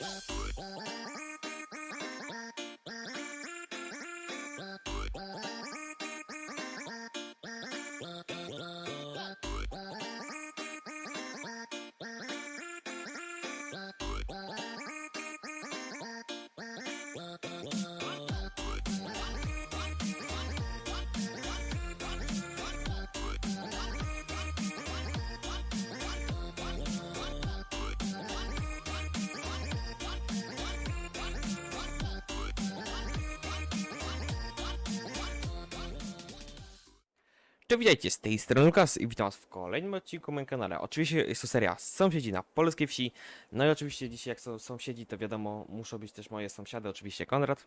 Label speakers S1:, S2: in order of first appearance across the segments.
S1: Witajcie, z tej strony Lukas i witam was w kolejnym odcinku na moim kanale. Oczywiście jest to seria Sąsiedzi na polskiej wsi. No i oczywiście dzisiaj jak są sąsiedzi, to wiadomo, muszą być też moje sąsiady, oczywiście Konrad.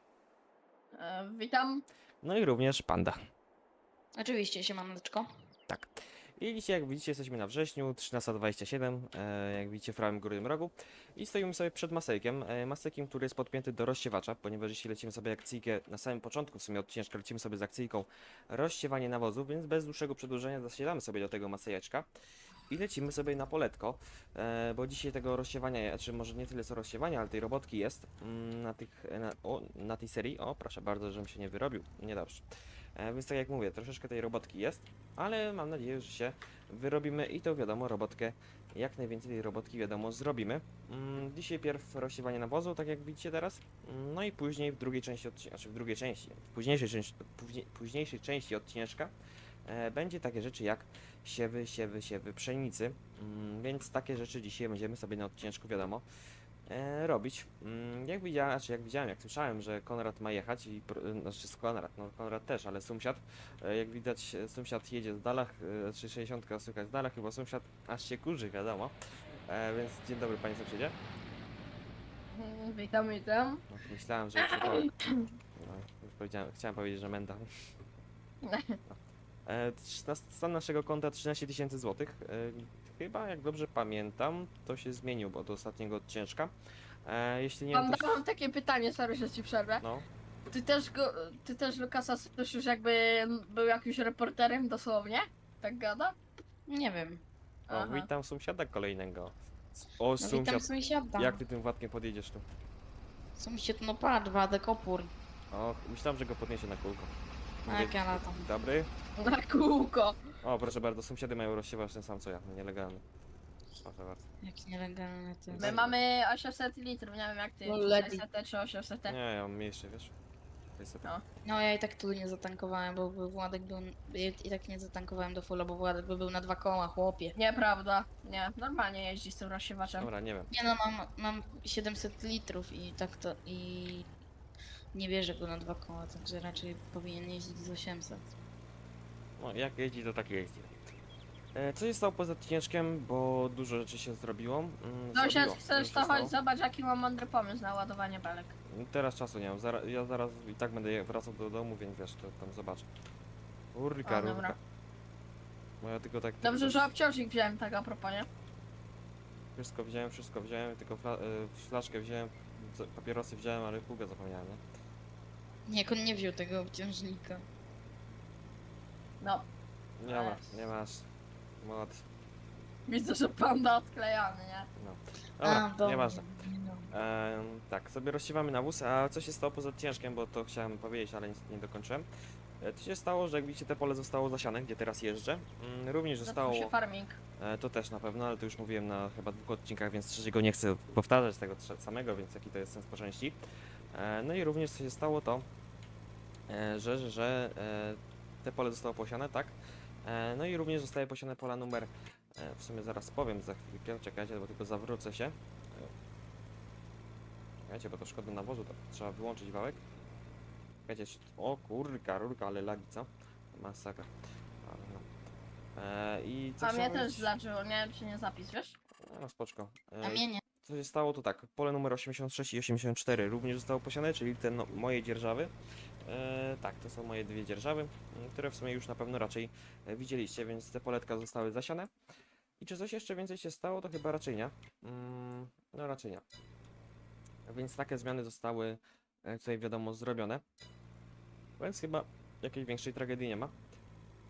S2: Witam.
S1: No i również Panda.
S3: Oczywiście, siemaneczko.
S1: Tak. I dzisiaj, jak widzicie, jesteśmy na wrześniu, 13:27, jak widzicie w prawym górnym rogu. I stoimy sobie przed masejkiem, masejkiem, który jest podpięty do rozsiewacza, ponieważ jeśli lecimy sobie akcyjkę, na samym początku w sumie odcineczka lecimy sobie z akcyjką rozsiewanie nawozu, więc bez dłuższego przedłużenia zasiadamy sobie do tego masejeczka i lecimy sobie na poletko, bo dzisiaj tego rozsiewania, znaczy może nie tyle co rozsiewania, ale tej robotki jest na tej serii. O, proszę bardzo, żebym się nie wyrobił, niedobrze. Więc tak jak mówię, troszeczkę tej robotki jest, ale mam nadzieję, że się wyrobimy i to wiadomo, robotkę, jak najwięcej tej robotki wiadomo zrobimy. Dzisiaj pierw rozsiewanie nawozu, tak jak widzicie teraz, no i później w drugiej części w późniejszej części odcineczka będzie takie rzeczy jak siewy pszenicy, więc takie rzeczy dzisiaj będziemy sobie na odcineczku wiadomo robić. Jak słyszałem, że Konrad ma jechać znaczy Konrad też, ale sąsiad, jak widać sąsiad jedzie z dalach, czy 60 słychać z dalach, chyba sąsiad aż się kurzy, wiadomo. Więc dzień dobry panie sąsiedzie.
S2: Witam.
S1: No, myślałem, że chciałem powiedzieć, że menda. Stan naszego konta 13 000 złotych. Chyba, jak dobrze pamiętam, to się zmienił, bo do ostatniego odcieczka. Jeśli nie wiem,
S2: Mam takie pytanie, sorry, że ci przerwę.
S1: No,
S2: Ty też Lukasa słyszysz, jakby był jakimś reporterem dosłownie? Tak gada?
S3: Nie wiem.
S1: o, witam sąsiada kolejnego. O,
S3: No witam
S1: sąsiad,
S3: sąsiada.
S1: jak ty tym Władkiem podjedziesz tu?
S3: Sąsiad, no patrz, Władek opór.
S1: O, myślałem, że go podniesie na kółko.
S3: Tak, ja latam.
S1: Dobry.
S2: Na kółko.
S1: O, proszę bardzo, sąsiady mają rozsiewacz ten sam co ja, nielegalny. Proszę bardzo.
S3: Jak nielegalne to jest.
S2: My mamy 800 litrów, nie wiem jak ty,
S3: No,
S2: czy
S3: lepiej.
S2: 600 czy 800.
S1: Nie, ja mam mniejszy, wiesz.
S2: No.
S3: No ja i tak tu nie zatankowałem, bo Władek był... I tak nie zatankowałem do fulla, bo Władek by był na 2 koła, chłopie.
S2: Nieprawda, nie, normalnie jeździ z tym rozsiewaczem.
S1: Dobra, nie wiem.
S3: Nie no, mam 700 litrów i tak to... I... Nie bierze go na 2 koła, także raczej powinien jeździć z 800.
S1: No, jak jeździ, to tak jeździ. Co się stało poza odcineczkiem, bo dużo rzeczy się zrobiło.
S2: Sąsiad,
S1: Dużo
S2: chcesz
S1: się
S2: to
S1: stało.
S2: chodź, zobacz jaki mam mądry pomysł na ładowanie belek.
S1: Teraz czasu nie mam, ja zaraz i tak będę wracał do domu, więc wiesz, to tam zobaczę. Urka,
S2: O, dobra.
S1: No ja tylko tak...
S2: Dobrze,
S1: tylko
S2: że obciążnik wziąłem tak a propos, nie?
S1: Wszystko wziąłem, tylko flaszkę wziąłem, papierosy wziąłem, ale pługę zapomniałem, nie?
S3: Nie, jak on nie wziął tego obciążnika.
S2: No,
S1: Dobra,
S2: Yes.
S1: nie masz. Mod.
S2: widzę, że panda odklejany, nie?
S1: No. Dobra,
S3: dobra.
S1: nieważne. Tak, sobie rozsiewamy nawóz, a co się stało poza odcineczkiem, bo to chciałem powiedzieć, ale nie dokończyłem. To się stało, że jak widzicie, te pole zostało zasiane, gdzie teraz jeżdżę. Również zostało...
S2: Zaczął się farming.
S1: To też na pewno, ale to już mówiłem na chyba 2 odcinkach, więc trzeciego nie chcę powtarzać tego samego, więc jaki to jest sens po części. No i również co się stało to, że te pole zostało posiane, tak? No i również zostaje posiane pola numer, w sumie zaraz powiem za chwilkę, czekajcie, bo tylko zawrócę się. Czekajcie, bo to szkoda nawozu, to trzeba wyłączyć wałek. Czekajcie, o kurka, rurka, ale lagi, co? Masakra. Ale no. I co
S2: A mnie
S1: chciałem
S2: też
S1: powiedzieć?
S2: zlaczyło, nie wiem czy nie zapis, wiesz?
S1: No spoczko.
S3: A mnie nie.
S1: Co się stało to tak, pole numer 86 i 84 również zostało posiane, czyli te moje dzierżawy. Tak, to są moje 2 dzierżawy, które w sumie już na pewno raczej widzieliście, więc te poletka zostały zasiane. I czy coś jeszcze więcej się stało, to chyba raczej nie. No raczej nie. Więc takie zmiany zostały tutaj wiadomo zrobione. Więc chyba jakiejś większej tragedii nie ma.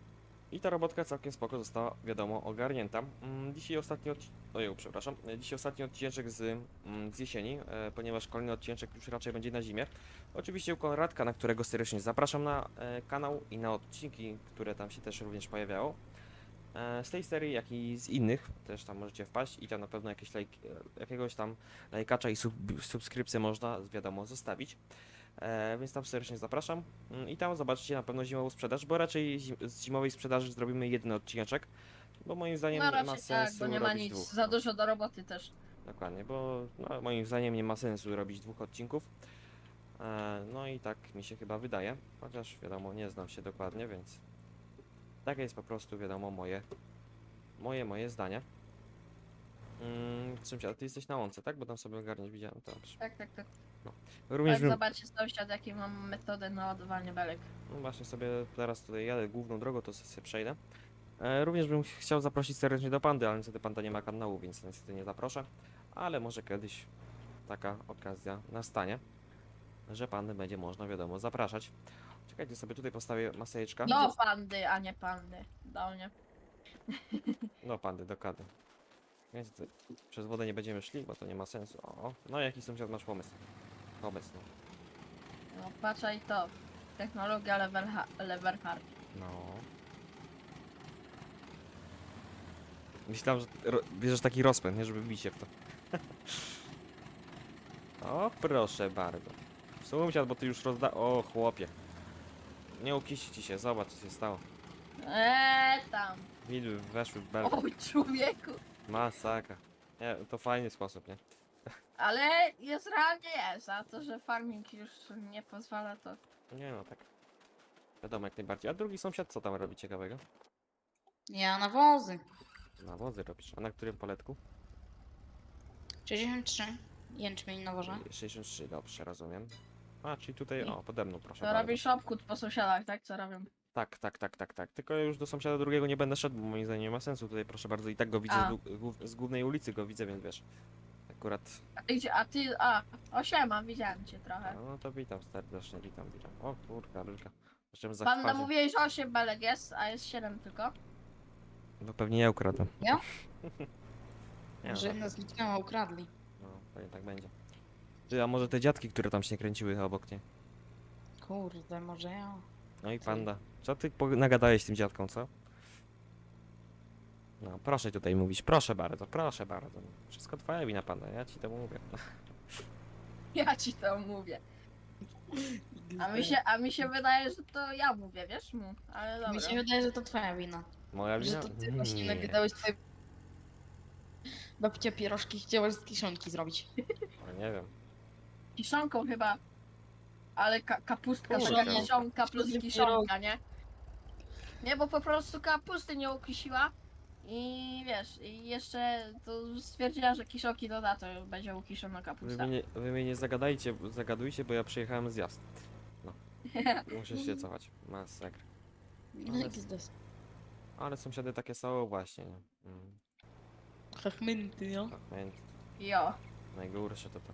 S1: I ta robotka całkiem spoko została, wiadomo, ogarnięta. Dzisiaj ostatni Ojeju, przepraszam. Dzisiaj ostatni odcinek z jesieni, ponieważ kolejny odcinek już raczej będzie na zimie. Oczywiście u Konradka, na którego serdecznie zapraszam na kanał i na odcinki, które tam się też również pojawiało. Z tej serii, jak i z innych, też tam możecie wpaść i tam na pewno jakiegoś tam lajkacza i subskrypcję można, wiadomo, zostawić. Więc tam serdecznie zapraszam i tam zobaczycie na pewno zimową sprzedaż, bo raczej z zimowej sprzedaży zrobimy jeden odcineczek, bo moim zdaniem
S2: No
S1: nie ma
S2: raczej tak,
S1: sensu
S2: bo nie ma
S1: robić
S2: nic,
S1: dwóch.
S2: za dużo do roboty też.
S1: Dokładnie, bo no, moim zdaniem nie ma sensu robić dwóch odcinków. No i tak mi się chyba wydaje, chociaż wiadomo, nie znam się dokładnie, więc takie jest po prostu, wiadomo, moje zdanie. Sąsiad, ty jesteś na łące, tak? Bo tam sobie ogarniesz, widziałem to. Dobrze.
S2: Tak.
S1: Również
S2: Tak,
S1: bym,
S2: zobaczcie sąsiad, jakie mam metodę na ładowanie belek.
S1: no właśnie sobie teraz tutaj jadę główną drogą, to sobie przejdę. Również bym chciał zaprosić serdecznie do Pandy, ale niestety Panda nie ma kanału, więc niestety nie zaproszę. Ale może kiedyś taka okazja nastanie, że Pandy będzie można, wiadomo, zapraszać. Czekajcie, sobie tutaj postawię maseczka.
S2: Do pandy, a nie pandy. Do mnie.
S1: No Pandy, dokładnie. Więc tutaj przez wodę nie będziemy szli, bo to nie ma sensu. O, no jaki sąsiad masz pomysł? Pomysł, no.
S2: No patrzaj to. Technologia level hard.
S1: No. Myślałem, że bierzesz taki rozpęd, nie? Żeby wbić się w to. O, proszę bardzo. Sąsiad, bo ty już O, chłopie. Nie ukiści ci się, zobacz co się stało.
S2: Tam.
S1: Widły weszły w belkę.
S2: Oj, człowieku.
S1: Masakra. Nie, to fajny sposób, nie?
S2: Ale jest realnie jest, a to, że farming już nie pozwala, to...
S1: Nie no, tak. Wiadomo, jak najbardziej. A drugi sąsiad co tam robi ciekawego?
S3: Ja na wozy.
S1: Nawozy robisz. A na którym poletku?
S3: 63. Jęczmień na worze.
S1: 63, dobrze, rozumiem. A, czyli tutaj,
S2: I-
S1: o, pode mną, proszę
S2: To
S1: bardzo.
S2: robisz obchód po sąsiadach, tak? Co robią?
S1: Tak. Tylko ja już do sąsiada drugiego nie będę szedł, bo moim zdaniem nie ma sensu. Tutaj, proszę bardzo, i tak go widzę
S2: A.
S1: z głównej ulicy go widzę, więc wiesz. Akurat.
S2: O siema, widziałem cię trochę.
S1: No to witam serdecznie, witam. O kurka, rylka. Zacząłem
S2: Panda
S1: zachwać.
S2: mówiłeś, że 8 belek jest, a jest 7 tylko.
S1: No pewnie ja ukradłem.
S3: Ja?
S1: Nie,
S3: Że
S1: no,
S3: nas zniknęła, ukradli.
S1: no, pewnie tak będzie. Ty, a może te dziadki, które tam się kręciły obok, nie?
S3: Kurde, może ja.
S1: No i panda. Co ty nagadałeś tym dziadkom, co? No, proszę tutaj mówić, proszę bardzo, proszę bardzo. Wszystko twoja wina, panda, ja ci to mówię.
S2: Ja ci to mówię. A mi się wydaje, że to ja mówię, wiesz mu. Ale dobra.
S3: Mi się wydaje, że to twoja wina.
S1: Moja
S3: Że
S1: wina?
S3: to ty właśnie
S1: Nie.
S3: nagadałeś twoje... Babcia pierożki chciałaś z kiszonki zrobić.
S1: No, nie wiem.
S2: Kiszonką chyba. Ale kapustka,
S1: Kurczę.
S2: taka kiszonka plus
S3: Pierogi.
S2: kiszonka, nie? Nie, bo po prostu kapusty nie ukisiła. I wiesz, i jeszcze to stwierdziła, że kiszonki doda, to będzie ukiszona kapusta.
S1: Wy mnie nie zagadujcie, bo ja przyjechałem z jazd. No. Muszę się cofać. Masakra.
S3: No
S1: Ale-
S3: i gizdos.
S1: Ale sąsiady takie są właśnie, nie?
S3: Chachmynty, no.
S1: Tak,
S2: Jo.
S1: najgorsze to.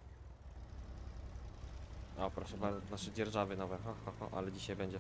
S1: O, proszę bardzo, nasze dzierżawy nowe. Ale dzisiaj będzie.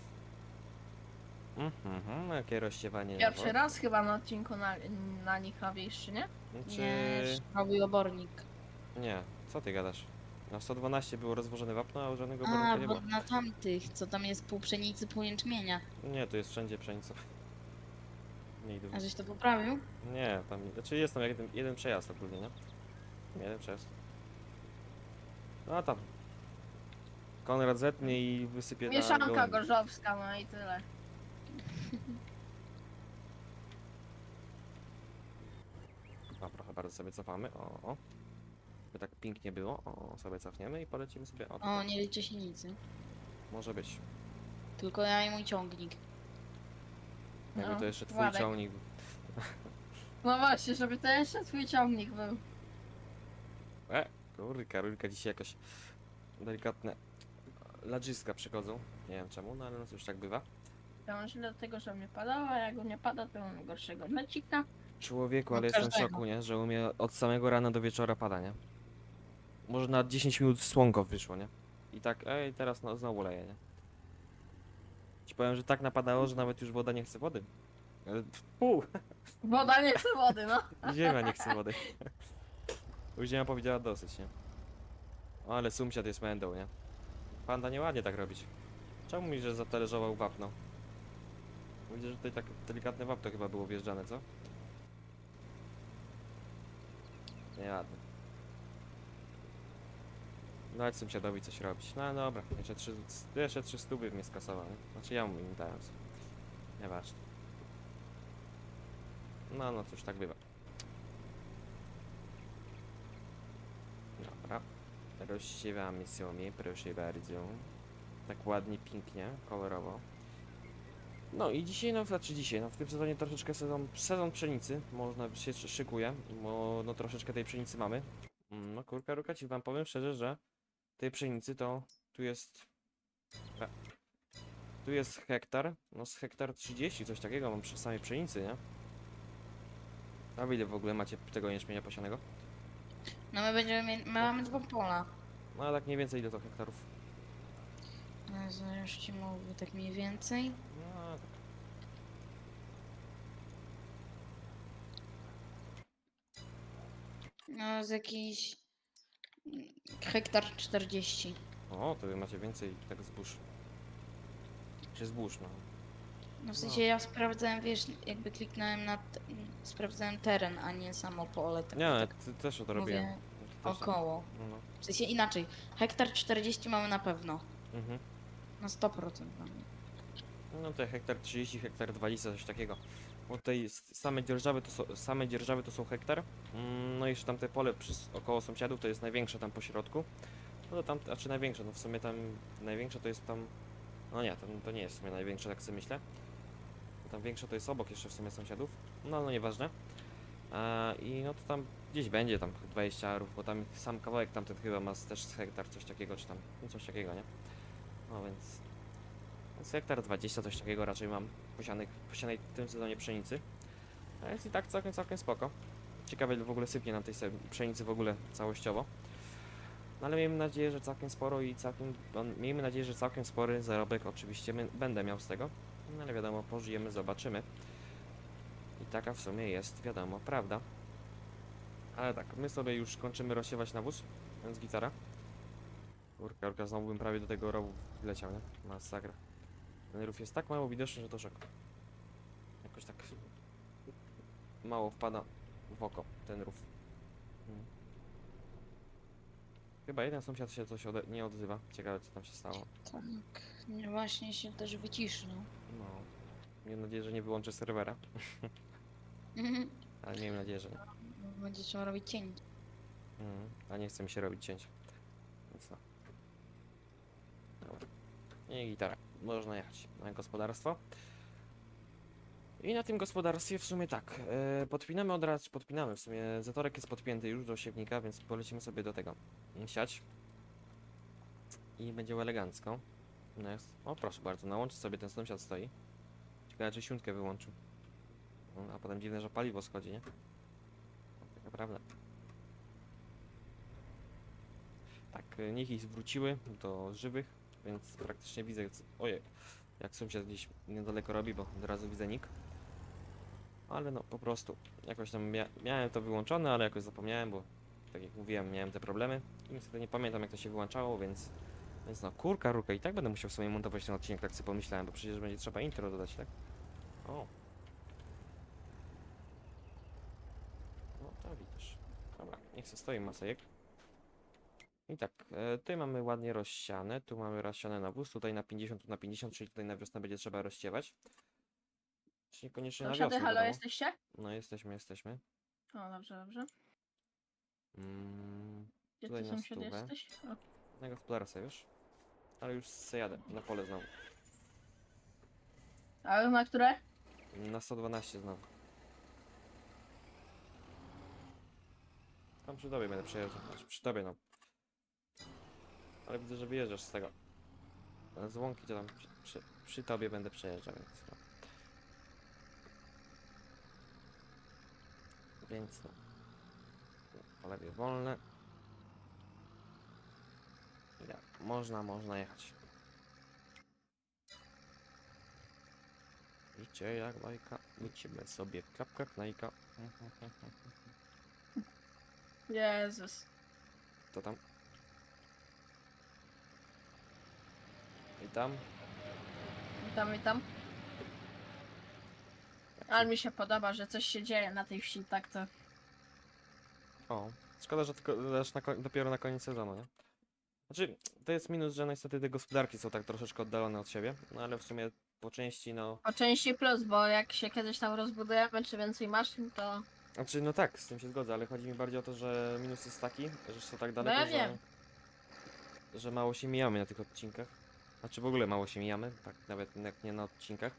S1: Jakie rozsiewanie.
S2: Pierwszy raz chyba na odcinku na nich nowiejszy, nie?
S1: Czy...
S3: Nie, nowy obornik.
S1: Nie, co ty gadasz? Na 112 było rozwożone wapno, a żadnego
S3: A,
S1: obornika nie
S3: bo
S1: było.
S3: na tamtych, co tam jest pół pszenicy, pół jęczmienia.
S1: Nie, to jest wszędzie pszenica. Nie idę.
S3: A żeś to poprawił?
S1: Nie, tam, znaczy jest tam jeden przejazd ogólnie, nie? Jeden przejazd. No a tam. Konrad zetnie i wysypie na
S2: Mieszanka
S1: gołębi.
S2: gorzowska, no i tyle.
S1: A proszę bardzo, sobie cofamy. O. By tak pięknie było. O, sobie cofniemy i polecimy sobie. O,
S3: O,
S1: tutaj.
S3: nie liczy się nic. nie?
S1: Może być.
S3: Tylko ja i mój ciągnik.
S1: Jakby
S2: No,
S1: to jeszcze twój
S2: Władek.
S1: ciągnik.
S2: No właśnie, żeby to jeszcze twój ciągnik był.
S1: Rulka dzisiaj jakoś delikatne ladżyska przychodzą. Nie wiem czemu, no ale no już tak bywa.
S2: Ja mam źle do tego, że mnie padało, a jak nie pada, to mam gorszego mecika.
S1: Człowieku,
S3: No
S1: ale jestem w
S3: każdego.
S1: szoku, nie? Że u mnie od samego rana do wieczora pada, nie? Może na 10 minut słonko wyszło, nie? I tak, teraz no, znowu leje, nie? Ci powiem, że tak napadało, że nawet już woda nie chce wody. Pół,
S2: Woda nie chce wody, no.
S1: ziemia nie chce wody. Już ziemia powiedziała dosyć, nie? O, ale sąsiad jest mędą, nie? Panda nieładnie tak robić. Czemu mi, że zatalerzował wapno? Widzę, że tutaj tak delikatne wapno chyba było wjeżdżane, co? Nieładnie. Dać sąsiadowi coś robić. No dobra, jeszcze 3 stówy mnie skasował, nie? Znaczy ja mu im dałem. Nieważne. No cóż, tak bywa. Dobra. Rozsiewamy sobie, proszę bardzo. Tak ładnie, pięknie, kolorowo. No i dzisiaj, no znaczy dzisiaj, no w tym sezonie troszeczkę sezon pszenicy, można się szykuje, bo no troszeczkę tej pszenicy mamy. No kurka, ruka, ci wam powiem szczerze, że tej pszenicy to tu jest... e, Tu jest hektar, no z hektar 30, coś takiego mam przy samej pszenicy, nie? A ile w ogóle macie tego jęczmienia posianego?
S3: No my będziemy mieli, my mamy 2 pola.
S1: No ale tak mniej więcej ile to hektarów?
S3: Zaraz ci mówię tak mniej więcej.
S1: No,
S3: No z jakiś hektar 40.
S1: o, to wy macie więcej tak zbóż. Czy zbóż, no.
S3: No w sensie ja sprawdzałem, wiesz, jakby kliknąłem na... sprawdzałem teren, a nie samo pole. Tak,
S1: Nie,
S3: tak
S1: też o to
S3: mówię
S1: robiłem. Też,
S3: około.
S1: no.
S3: W sensie inaczej. Hektar 40 mamy na pewno.
S1: Mhm.
S3: Na 100% mamy.
S1: No to hektar 30, hektar 20, coś takiego. Bo tutaj same dzierżawy to są hektar. No i jeszcze tam te pole około sąsiadów to jest największe tam po środku. No to tam, a czy największe, no w sumie tam największe to jest tam. No nie, to nie jest w sumie największe, tak sobie myślę. Tam większe to jest obok jeszcze w sumie sąsiadów. No nieważne. I no to tam gdzieś będzie tam 20 arów, bo tam sam kawałek tamten chyba ma też z hektar, coś takiego, czy tam, no coś takiego, nie? No więc hektar 20, coś takiego raczej mam posianej w tym sezonie pszenicy. A jest i tak całkiem spoko. Ciekawe ile w ogóle sypnie nam tej pszenicy w ogóle całościowo. No ale miejmy nadzieję, że całkiem sporo i miejmy nadzieję, że całkiem spory zarobek oczywiście będę miał z tego. No ale wiadomo, pożyjemy, zobaczymy. I taka w sumie jest, wiadomo, prawda. Ale tak, my sobie już kończymy rozsiewać nawóz, więc gitara. Kurka, znowu bym prawie do tego rowu wleciał, nie? Masakra. Ten rów jest tak mało widoczny, że to szok. Jakoś tak mało wpada w oko ten rów. Hmm. Chyba jeden sąsiad się coś nie odzywa. Ciekawe co tam się stało.
S3: Tak. Nie, właśnie się też wyciszył.
S1: No. Miejmy nadzieję, że nie wyłączę serwera. Ale miejmy nadzieję, że nie.
S3: Będzie trzeba robić cień.
S1: A nie chce mi się robić cięć. Więc no. Dobra. I gitara. Można jechać na gospodarstwo. I na tym gospodarstwie w sumie tak. Podpinamy od razu, podpinamy w sumie. Zatorek jest podpięty już do siewnika, więc polecimy sobie do tego siać. I będzie elegancko. No jest. O proszę bardzo, na łączy sobie ten sąsiad stoi. Ciekawe czy siunkę wyłączył. No, a potem dziwne, że paliwo schodzi, nie? Taka prawda. Tak, niech wróciły do żywych, więc praktycznie widzę, ojej, jak sąsiad gdzieś niedaleko robi, bo od razu widzę nick. Ale no po prostu, jakoś tam miałem to wyłączone, ale jakoś zapomniałem, bo tak jak mówiłem, miałem te problemy i niestety nie pamiętam jak to się wyłączało, więc no kurka, ruka i tak będę musiał sobie montować ten odcinek, tak sobie pomyślałem, bo przecież będzie trzeba intro dodać, tak? O. No to widzisz. Dobra, niech se stoi masejek. I tak, tutaj mamy ładnie rozsiane, tu mamy rozsiane nawóz, tutaj na 50, tu na 50, czyli tutaj na wiosnę będzie trzeba rozsiewać. Czy niekoniecznie na
S2: Sąsiady,
S1: wiosnę,
S2: halo,
S1: wiadomo.
S2: jesteście?
S1: No jesteśmy.
S2: O, dobrze. Gdzie
S1: Tutaj
S2: ty
S1: na
S2: sąsiad
S1: stówę.
S2: jesteś? O.
S1: Na gospodarstwie, wiesz? Ale już se jadę, na pole znowu.
S2: A na które?
S1: Na 112 znowu. Tam przy tobie będę przejeżdżał, znaczy przy tobie no. Ale widzę, że wyjeżdżasz z tego. Z łąki to tam przy tobie będę przejeżdżał, więc no. Więc no. Po lewie wolne. Ja, można jechać. Życie jak bajka, lecimy sobie klapka knajka.
S2: Jezus.
S1: To tam. I tam.
S2: Witam, witam. Ale mi się podoba, że coś się dzieje na tej wsi, tak to.
S1: O, szkoda, że tylko aż dopiero na koniec sezonu, nie? Znaczy, to jest minus, że niestety te gospodarki są tak troszeczkę oddalone od siebie, no ale w sumie po części, no...
S2: Po części plus, bo jak się kiedyś tam rozbudujemy, czy więcej maszyn, to.
S1: Znaczy, no tak, z tym się zgodzę, ale chodzi mi bardziej o to, że minus jest taki, że są tak
S2: No
S1: daleko,
S2: ja wiem.
S1: że mało się mijamy na tych odcinkach. Znaczy, w ogóle mało się mijamy, tak nawet jak nie na odcinkach.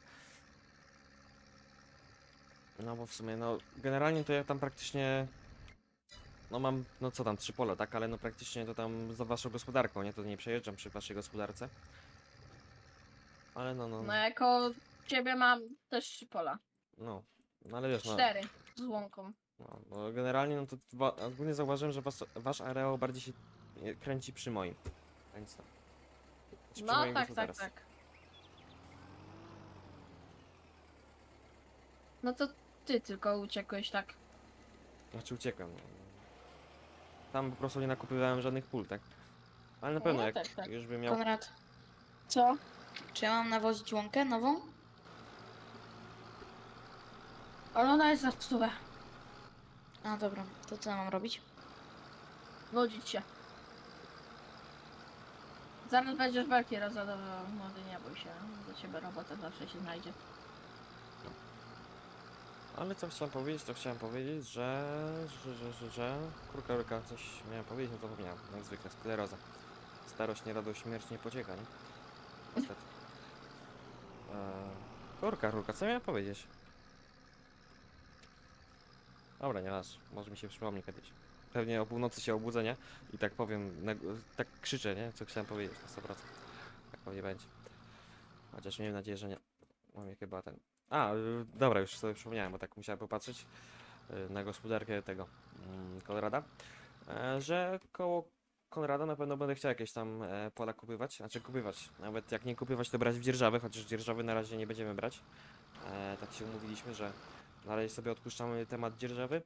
S1: No bo w sumie, no, generalnie to ja tam praktycznie... No mam, no co tam, 3 pola, tak, ale no praktycznie to tam za waszą gospodarką, nie? To nie przejeżdżam przy waszej gospodarce. Ale no,
S2: No jako ciebie mam też 3 pola.
S1: no, no ale wiesz, no,
S2: 4 z łąką.
S1: no generalnie no to ogólnie zauważyłem, że wasz areał bardziej się kręci przy moim. Więc no. Przy
S2: No
S1: moim
S2: tak, tak,
S1: gospodarstwie.
S2: tak. No to ty tylko uciekłeś tak.
S1: Znaczy uciekłem. No. Tam po prostu nie nakupywałem żadnych pól, tak? Ale na pewno
S2: No
S1: jak
S2: tak, tak.
S1: już bym miał...
S3: Konrad,
S2: Co?
S3: czy ja mam nawozić łąkę nową?
S2: Ale ona jest za stówę.
S3: A dobra, to co ja mam robić?
S2: Nudzić się. Zaraz będziesz belki rozładowywał. Młody, nie bój się. Do ciebie robota zawsze się znajdzie.
S1: Ale co chciałem powiedzieć, to chciałem powiedzieć, że... Kurka, coś miałem powiedzieć, no to zapomniałem. Jak zwykle, skleroza. Starość nie radość, śmierć nie pocieka, nie? Niestety. Kurka, co miałem powiedzieć? Dobra, nie masz, może mi się przypomni kiedyś. Pewnie o północy się obudzę, nie? I tak powiem, tak krzyczę, nie? Co chciałem powiedzieć na 100%. Tak pewnie będzie. Chociaż miejmy nadzieję, że nie. Mam chyba ten... dobra, już sobie przypomniałem, bo tak musiałem popatrzeć na gospodarkę tego Konrada, że koło Konrada na pewno będę chciał jakieś tam pola kupywać, znaczy kupywać, nawet jak nie kupywać, to brać w dzierżawy, chociaż dzierżawy na razie nie będziemy brać. Tak się umówiliśmy, że na razie sobie odpuszczamy temat dzierżawy.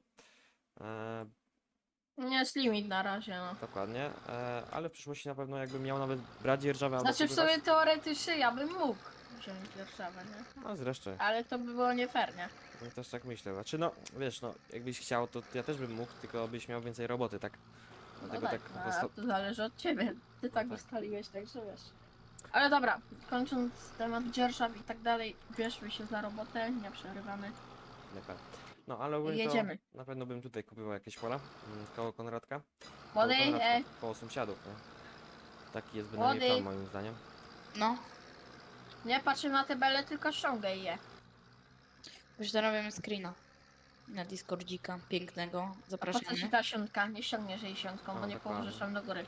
S2: Nie jest limit na razie, no.
S1: Dokładnie, ale w przyszłości na pewno jakbym miał nawet brać dzierżawę albo
S2: Znaczy w
S1: kupywać.
S2: sumie teoretycznie ja bym mógł wziąć Warszawę, nie?
S1: No zresztą,
S2: Ale to by było nie fair, nie?
S1: ja też tak myślę. Znaczy no, wiesz, no, jakbyś chciał, to ja też bym mógł, tylko byś miał więcej roboty, tak?
S2: No
S1: Dlatego
S2: tak,
S1: tak,
S2: a to zależy od ciebie. Ty tak
S1: tak.
S2: ustaliłeś, także wiesz. Ale dobra, kończąc temat dzierżaw i tak dalej, bierzmy się za robotę, nie przerywamy.
S1: Lepiej. No ale ogólnie
S2: Jedziemy.
S1: to na pewno bym tutaj kupił jakieś pola koło Konradka.
S2: Młody,
S1: Koło Konradka, koło sąsiadów, nie? Taki jest bynajmniej
S2: Młody.
S1: plan moim zdaniem.
S3: No,
S2: nie patrzę na te bele, tylko ściągaj je.
S3: już zrobimy screena. Na Discordzika pięknego.
S2: A po co ci
S3: Zapraszamy.
S2: ta siątka? Nie ściągniesz jej siątką,
S1: No,
S2: bo nie
S1: dokładnie.
S2: pomożesz tam do góry.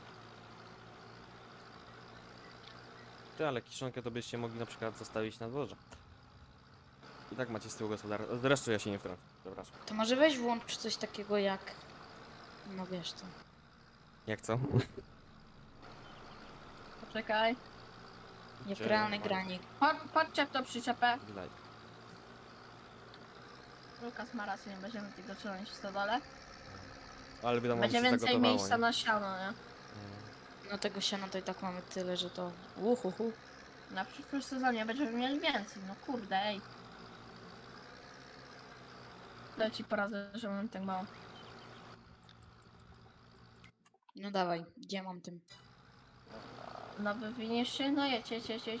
S1: Ty, ale kiszonkę to byście mogli na przykład zostawić na dworze. I tak macie z tyłu gospodarstwa. Zresztą ja się nie wtrącę, przepraszam.
S3: To może weź włącz coś takiego jak... No wiesz co.
S1: Jak co?
S2: Poczekaj.
S3: Jak realne
S1: Gdzie-
S3: granie.
S2: Patrzcie w to przyczepę.
S1: Widać.
S2: Lukas ma rację, nie będziemy tego trzymać w stodole.
S1: Ale wiadomo,
S2: Będzie
S1: się
S2: więcej
S1: zagotowało,
S2: miejsca
S1: nie?
S2: na siano, nie?
S3: No tego siana to i tak mamy tyle, że to... Uhuhu.
S2: Na przyszłym sezonie będziemy mieli więcej, no kurde, ej. To ci poradzę, że mam tak mało.
S3: No dawaj, gdzie mam tym?
S2: No wywiniesz się? No jedź.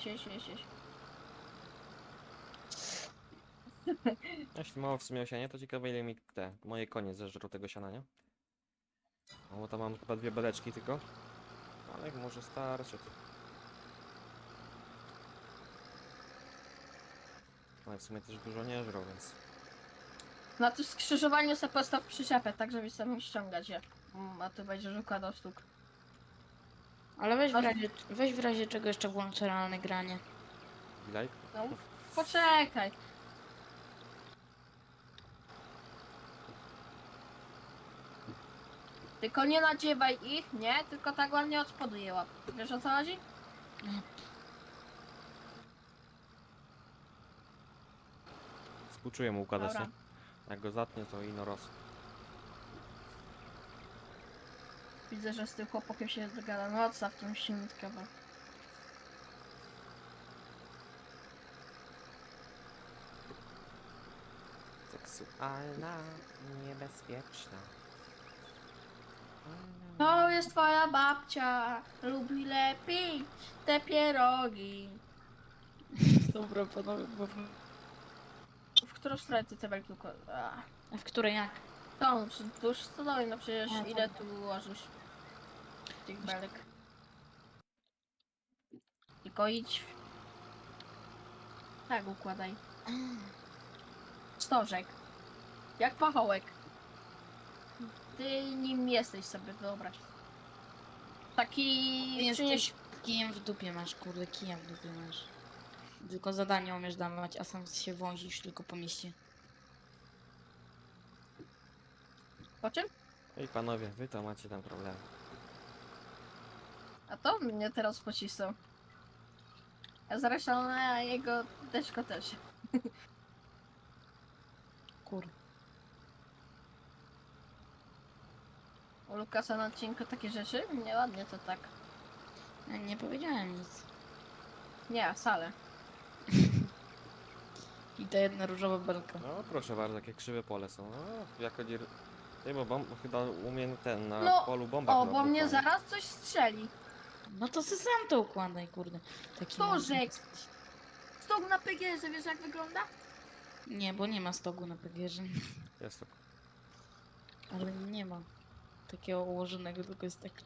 S1: Jeśli mało w sumie osianie, to ciekawe ile mi te moje konie zeżrą tego siana, nie? No bo tam mam chyba 2 beleczki tylko. Ale jak może starczy. No i w sumie też dużo nie żrą, więc...
S2: Na tym skrzyżowaniu sobie postaw przyczepę, tak żebyś sam mógł ściągać je. A tu będziesz układał sztuk.
S3: Ale weź w razie czego jeszcze włączę realne granie.
S1: Bilaj?
S2: No poczekaj. Tylko nie nadziewaj ich, nie? Tylko tak ładnie od spodu je łap. Wiesz o co chodzi?
S1: Współczuję mu układać,
S2: Dobra.
S1: nie? Jak go zatnie, to ino roz.
S2: Widzę, że z tym chłopakiem się dogada. No odstaw tą silnitkę, bo...
S1: Seksualna, niebezpieczna.
S2: To jest twoja babcia. Lubi lepiej te pierogi.
S3: Dobra, panowie, bo...
S2: W którą stronę ty te belki układasz?
S3: A w której jak?
S2: To już stodoły, no przecież
S3: A,
S2: ile
S3: dobra.
S2: tu ułożysz tych belek? Tylko idź. Tak układaj. Stożek. Jak pachołek. Ty nim jesteś, sobie wyobraź. Taki...
S3: Jesteś
S2: Przynieś...
S3: kijem w dupie masz, kurde, kijem w dupie masz. Tylko zadanie umiesz dawać, a sam się wozisz tylko po mieście.
S2: Po czym?
S1: Ej panowie, wy to macie tam problemy.
S2: A to mnie teraz pocisnął. A zresztą na jego deszko też.
S3: Kur.
S2: U Lukasa na odcinku takie rzeczy? Nieładnie to tak.
S3: Ja nie powiedziałem nic.
S2: Nie, wcale.
S3: I ta jedna różowa belka.
S1: No proszę bardzo, jakie krzywe pole są. No, jako nie... Ej, bo chyba umiem ten na
S2: No,
S1: polu bombach
S2: O, bo mnie
S1: wybuchał, nie?
S2: zaraz coś strzeli.
S3: No to sy sam to układaj, kurde. Taki
S2: Stożek.
S3: mądry jesteś.
S2: Stok na PGR, wiesz jak wygląda?
S3: Nie, bo nie ma stogu na PGR-ze.
S1: Jest to.
S3: Ale nie ma takiego ułożonego, tylko jest taki...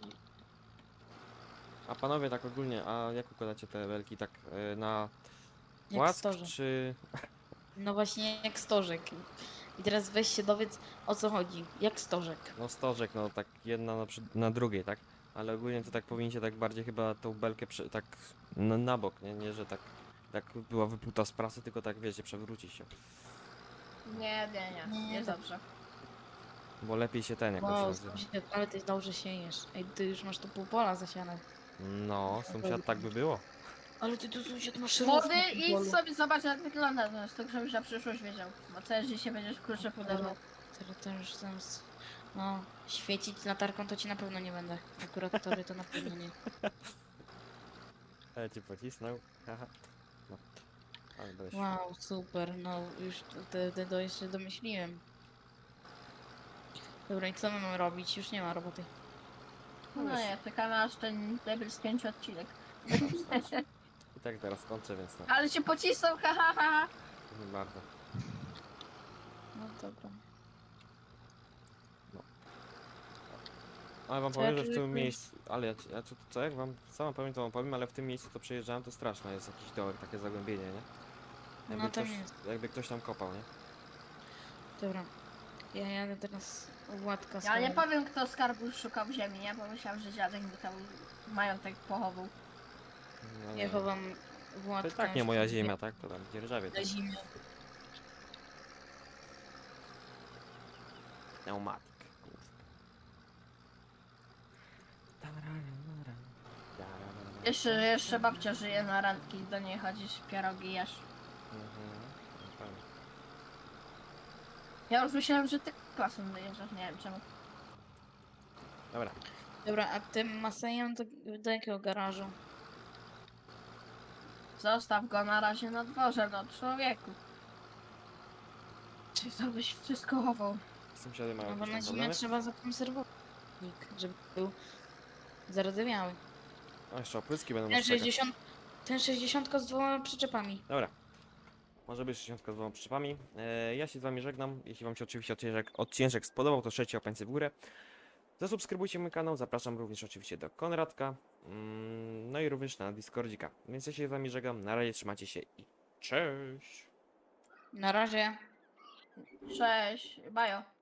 S1: A panowie tak ogólnie, a jak układacie te belki tak na
S3: Jak
S1: płask,
S3: stożek.
S1: czy...
S3: No właśnie jak stożek. I teraz weź się dowiedz, o co chodzi. Jak stożek.
S1: No stożek, no tak jedna na drugiej, tak? Ale ogólnie to tak powinniście tak bardziej chyba tą belkę tak na bok, nie, że tak była wypluta z prasy, tylko tak wiecie, przewrócić się.
S2: Nie,
S3: Nie,
S2: jest
S3: tak.
S2: dobrze.
S1: Bo lepiej się ten jakoś
S3: Wow,
S1: nazywa.
S3: sąsiad, ale ty dobrze siejesz. Ej, ty już masz tu pół pola zasiane.
S1: No, sąsiad tak by było.
S3: Ale ty tu sąsiad masz
S2: Młody,
S3: równo w
S2: idź
S3: polu.
S2: sobie zobacz jak wygląda, no, tak żebyś na przyszłość wiedział. Bo całe życie będziesz klucze podawał.
S3: Teraz to już tam... No, świecić latarką to ci na pewno nie będę. Akurat tobie to na pewno nie.
S1: Ale cię pocisnął. Haha. No. Ale będę się...
S3: Wow, super, no już to jeszcze domyśliłem. Dobra, i co my mamy robić? Już nie ma roboty.
S2: No nie, czekamy aż ten debil skończy odcinek.
S1: I tak teraz kończę, więc no,
S2: Ale się pocisnął, ha ha ha.
S1: nie bardzo.
S3: No dobra.
S1: Ale wam
S3: Co ja
S1: powiem, że w
S3: czuję,
S1: tym
S3: że-
S1: miejscu, ale ja co jak wam sam powiem, to wam powiem, ale w tym miejscu to przejeżdżałem, to straszne jest jakiś dołek, takie zagłębienie, nie? Jakby,
S3: No tam
S1: ktoś,
S3: jest.
S1: jakby ktoś tam kopał, nie?
S3: Dobra. Ja jadę teraz Władka
S2: Ja nie
S3: swoją.
S2: powiem kto skarbu szukał w ziemi, nie? Bo myślałem, że dziadek mi tam majątek pochował.
S1: No,
S3: Ja
S1: nie.
S3: chowam
S1: To
S3: Władka.
S1: i tak nie
S3: już
S1: moja
S3: tam
S1: ziemia, tak? To tam dzierżawie,
S3: Na
S1: tak?
S3: zimę.
S1: Pneumatik.
S2: Jeszcze babcia żyje na randki, do niej chodzisz, pierogi jesz.
S1: Mhm, na pewno.
S2: Ja już myślałem, że ty klasą dojeżdżasz, nie wiem czemu.
S1: Dobra,
S3: Dobra, a tym Masejem do jakiego garażu?
S2: Zostaw go na razie na dworze, no człowieku. Czy to byś wszystko chował?
S1: sąsiady mają
S3: No bo
S1: jakieś
S3: na
S1: tam
S3: zimę
S1: problemy?
S3: trzeba zakonserwować, żeby był zardzewiały.
S1: O, jeszcze opryski będą
S3: Ten
S1: nas czekać.
S3: 60, ten 60 z dwoma przyczepami.
S1: Dobra. Może być 60 z dwoma przyczepami. Ja się z wami żegnam. Jeśli wam się oczywiście odcinek spodobał, to trzecie opańce w górę. Zasubskrybujcie mój kanał. Zapraszam również oczywiście do Konradka. No i również na Discordzika. Więc ja się z wami żegnam. Na razie trzymajcie się i cześć!
S3: Na razie.
S2: Cześć, bajo.